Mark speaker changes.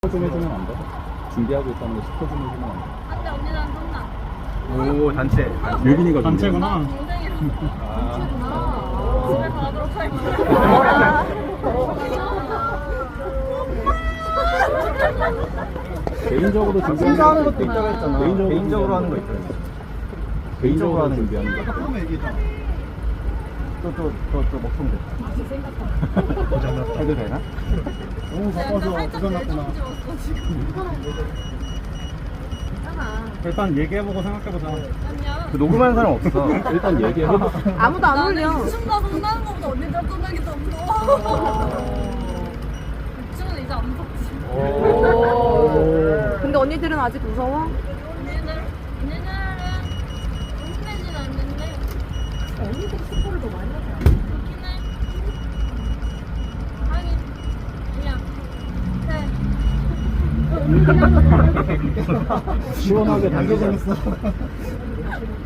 Speaker 1: 좀 해주면 안 돼? 준비하고 있다는 거 스포 좀 해주면 안 돼?
Speaker 2: 안돼 언니랑 끝나.
Speaker 3: 오 단체.
Speaker 1: 유빈이가
Speaker 4: 단체구나.
Speaker 2: 동생이랑
Speaker 1: 아,
Speaker 2: 집에 가도록 할게요.
Speaker 1: 개인적으로 준비하는
Speaker 3: 심사하는 것도 있다고 했잖아.
Speaker 1: 개인적으로
Speaker 3: 하는 거 있잖아.
Speaker 1: 개인적으로
Speaker 3: 하는
Speaker 1: 준비하는 거.
Speaker 3: 또 먹통돼. 해도 되나?
Speaker 4: 너무 바빠서 고장났구나. 일단 얘기해보고 생각해보자.
Speaker 3: 그 녹음하는 사람 없어.
Speaker 1: 일단 얘기해봐.
Speaker 5: 아무도 안 올려.
Speaker 2: 춤과 성나는 것보다 언니들 끝나기 더 무서워. 춤은 이제 안 무섭지.
Speaker 5: 근데 언니들은 아직 무서워?
Speaker 2: 언니들은 흥내진 않는데 언니들이 스포를 더 많이 하지 않아? 그렇긴 해. 하긴 그냥
Speaker 1: 시원하게 당겨졌어.